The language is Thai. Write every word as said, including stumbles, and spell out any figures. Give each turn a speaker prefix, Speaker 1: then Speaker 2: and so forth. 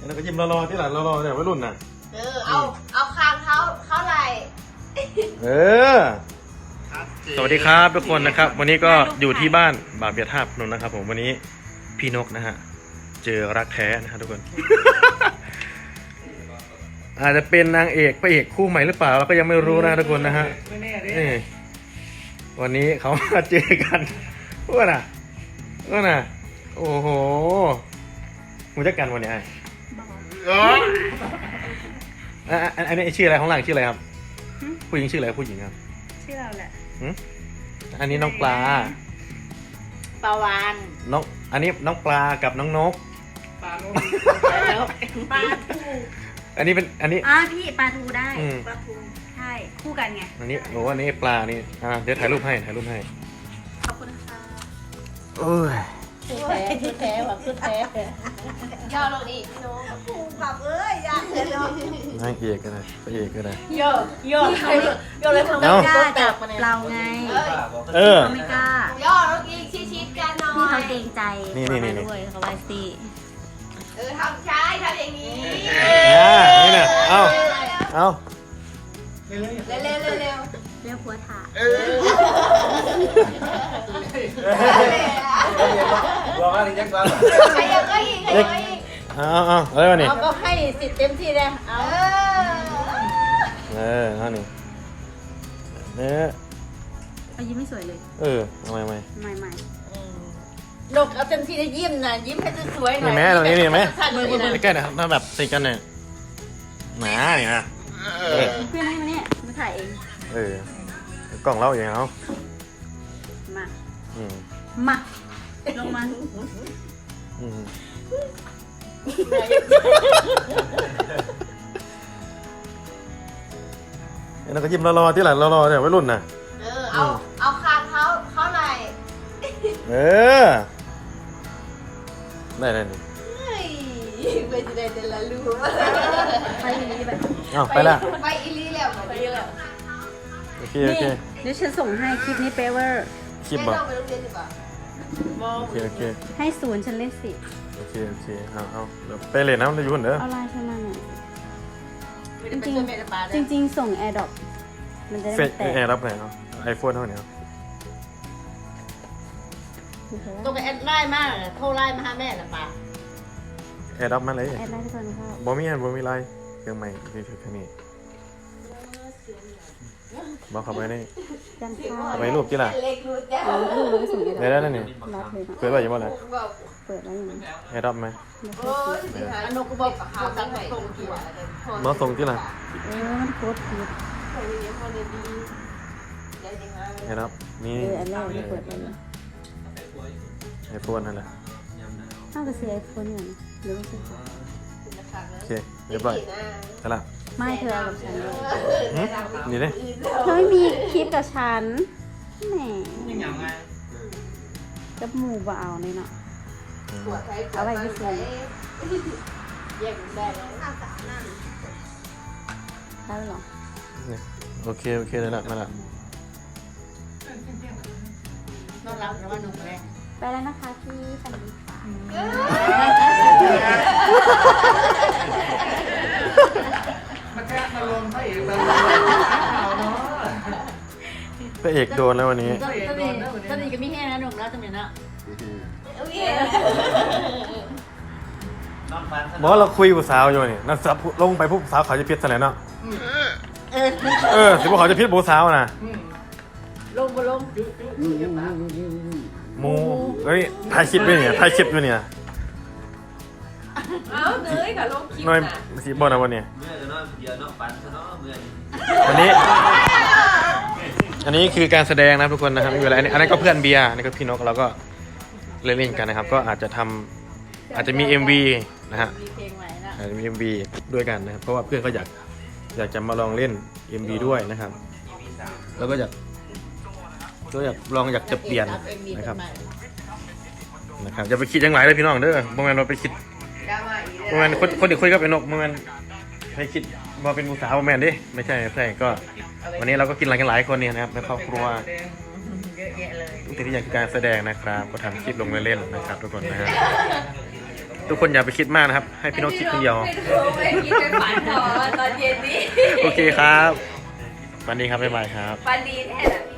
Speaker 1: แล้วก็ยิ้มรอๆที่หลังรอๆเนี่ยวัยรุ่นน่ะ
Speaker 2: เออเอาเอาคางเขาเขาไหล
Speaker 1: เออสวัสดีครับทุกคนนะครับวันนี้ก็อยู่ที่บ้านบาเบียท่าพนมนะครับผมวันนี้พี่นกนะฮะเจอรักแท้นะฮะทุกคน อาจจะเป็นนางเอกพระเอกคู่ใหม่หรือเปล่าเราก็ยังไม่รู้นะทุกคนนะฮะนี่วันนี้เขามาเจอกันว่าน่ะว่าน่ะโอ้โหมึงจะกันวันนี้ไอ้อันอันนี้ชื่ออะไรของหลังชื่ออะไรครับผู้หญิงชื่ออะไรผู้หญิงครับ
Speaker 3: ชื่อเราแหละ
Speaker 1: อันนี้น้องปลา
Speaker 2: ปลาวาน
Speaker 1: น้องอันนี้น้องปลากับน้องนก
Speaker 3: ปลาแล้วปลาทู
Speaker 1: อันนี้เป็นอันนี้
Speaker 3: อ่าพี่ปลาทูได้ปลาทูใช่คู่กันไง
Speaker 1: อันนี้โอ้อันนี้ปลานี่อ่าเดี๋ยวถ่ายรูปให้ถ่ายรูปให้
Speaker 3: ขอบคุณค่ะ
Speaker 1: โอ้ย
Speaker 2: คือแท้คือแท้แบบคือแท้ย่อลงอีกน้องผูกแบบเอ้ยยากเลยเนาะ
Speaker 1: นางเอกกันเลยพระเอกกันเลย
Speaker 2: ย่อย่อย่อเลยเขาไม่
Speaker 3: กล้าจับเราไง
Speaker 1: เออ
Speaker 3: เขาไม่กล้า
Speaker 2: ย่อแล้วอีกชิดๆกันหน่อย
Speaker 3: พี่เขาเกรงใจ
Speaker 1: นี่นี่นี่
Speaker 3: ด้วยเขาไว้สิ
Speaker 2: เออทำใช้ทำอย่างนี้
Speaker 1: อ่านี่เนี่ยเอาเอา
Speaker 2: เร็วเร็วเร็วเร็วเร็ว
Speaker 3: เรียกผัวถ่า
Speaker 1: บอกว่านี่ยักษ์บ้า
Speaker 2: ใครยังก็อีกใครยังก็อีก
Speaker 1: เอาเอาอะไรวะนี่
Speaker 2: เขาก็ให้สิทธิ์เต็มที่เลยเอา
Speaker 1: เออเอานี่เนี่ย
Speaker 3: เขายิ้มไม่สวยเลย
Speaker 1: เออทำไมไม่
Speaker 3: ไม่ไม่
Speaker 2: นกเอาเต็มที่ได้ยิ้มนะยิ้มให้สวยหน่อย
Speaker 1: นี่แม่ตรงนี้นี่ไหมใกล้ๆนะครับถ้าแบบติดกันเนี่ยหนาเนี่ยนะ
Speaker 3: เพื่อนให้มาเนี่ยมาถ่ายเอง
Speaker 1: เออกล่องเล่าอย่างเขา
Speaker 3: มา
Speaker 1: อืม
Speaker 3: มาลงมา
Speaker 1: อืมแล้วก็ยิ้มรอๆที่หลังรอๆเนี่ยวัยรุ่นน่ะ
Speaker 2: เออเอาเอาคางเขาเขาไหล
Speaker 1: เออได้ได้ดิ
Speaker 2: ไปจะได้แต่ละลูก
Speaker 3: ไปอีลีไป
Speaker 1: อ้าวไปละ
Speaker 2: ไปอีลีแล้วไปอีลีแล้ว
Speaker 1: โอเคโอเค
Speaker 3: เดี๋ยวฉันส่งให้คลิปนี้เปเวอร์
Speaker 1: คลิปบอก
Speaker 2: โอ
Speaker 1: เคโอเค
Speaker 3: ให้ศูนย์ฉันเล่นสิ
Speaker 1: โอเคโอเคเอาเอาเดี๋ยวไปเลยนะเราอยู่คนเด้อ
Speaker 3: เอาไลน์ฉันมาหน่อยจริงจริงจริงส่งแอร์ดรอปมันจะได้แต่
Speaker 1: แอร์รับไหนเอาไอโฟนเท่าไหร่เอา
Speaker 2: ตัวกับแอดไลน์มากโทรไลน์มาหาแม่ละป่ะ
Speaker 1: แอร์รับมาเลย
Speaker 3: แอดไลน์ทุกคนค่ะ
Speaker 1: บอมี่แอนบอมี่ไลน์เครื่องใหม่ที่ถือแค่นี้บอกเขาไปนี่
Speaker 3: จำค่า
Speaker 1: ไปรูปที่ละ
Speaker 3: รูปรูปส่งแอร์ดรอป
Speaker 1: ได้แล้วนี่
Speaker 3: รับเลย
Speaker 1: เปิดไว้ยังบ่เลย
Speaker 3: เปิดแล้วยัง
Speaker 1: แอร์รับไหม
Speaker 2: อันนกบอกเขาตั้งแต่ตรงที่ว่า
Speaker 1: มาส่งที่ละ
Speaker 3: เออมันโคตรผิด
Speaker 1: แอร์รับนี่
Speaker 3: เอออันแรกที่เปิดไปเลย
Speaker 1: ไอโฟนนั่นแหละ
Speaker 3: น่าจะเสียไอโฟนอย่างหรือว่าซื้อ
Speaker 1: โอเคเรียบร้อยใช่ละ
Speaker 3: ไม่เธอกับฉันเลย
Speaker 1: นี่เลย
Speaker 3: เธอไม่มีคลิปกับฉันแหมกับหมู่บ่าวเลยเนาะเอาไปไม่ซื้อ
Speaker 2: แยกได้แล้ว
Speaker 3: ได้หรอ
Speaker 1: โอเคโอเคเลยละมาละ
Speaker 2: นอนรับนะว่าหนุ่มแรก
Speaker 3: ไปแล้วนะคะพี่สวัสดีค่ะ
Speaker 4: มาแค่มาลงพระเอกมาลง
Speaker 1: พระเอกโดนแล้ววันนี้
Speaker 2: ตอนนี้ตอนนี้ก็มีแค่นั้นหนุ่มแล้วจำเป็นนะ
Speaker 1: บอกเราคุยกับสาวอยู่นี่นั่นสับลงไปพวกสาวเขาจะพิษอะไรเนาะเออสิพวกเขาจะพิษโบสาวนะ
Speaker 2: ลงบ่ลง
Speaker 1: มูเฮ้ยถ่ายคลิปด้วยเนี่ยถ่ายคลิปด้วยเนี่ย
Speaker 2: เอ้าเนยกับลงคลิป
Speaker 1: น้อยสีบอลนะวันนี้อันนี้อันนี้คือการแสดงนะทุกคนนะครับไม่เป็นไรอันนี้อันนั้นก็เพื่อนเบียร์อันนี้ก็พี่นกเราก็เล่นๆกันนะครับก็อาจจะทำอาจจะมี เอ็ม วี นะฮะอาจจะมี เอ็ม วี ด้วยกันนะครับเพราะว่าเพื่อนก็อยากอยากจะมาลองเล่น เอ็ม วี ด้วยนะครับแล้วก็อยากก็อยากลองอยากจะเปลี่ยนนะครับนะครับอย่าไปคิดยังไงเลยพี่น้องเด้อเมื่อวานเราไปคิดเมื่อวานคนคนเด็กคุยกับไอ้นกเมื่อวานไปคิดมาเป็นผู้สาวแมนดิไม่ใช่ไม่ใช่ก็วันนี้เราก็กินอะไรกันหลายคนเนี่ยนะครับในครอบครัวทุกทีที่อยากการแสดงนะครับก็ทำคลิปลงเล่นๆนะครับทุกคนนะฮะทุกคนอย่าไปคิดมากนะครับ ให้พี่นกคิดคนเดียว
Speaker 2: ไม่รู้ไม่คิดไปฝันต่อตอนเย็นนี้
Speaker 1: โอเคครับวันนี้ครับบ๊ายบายครับ
Speaker 2: ฝันดีแน่เลย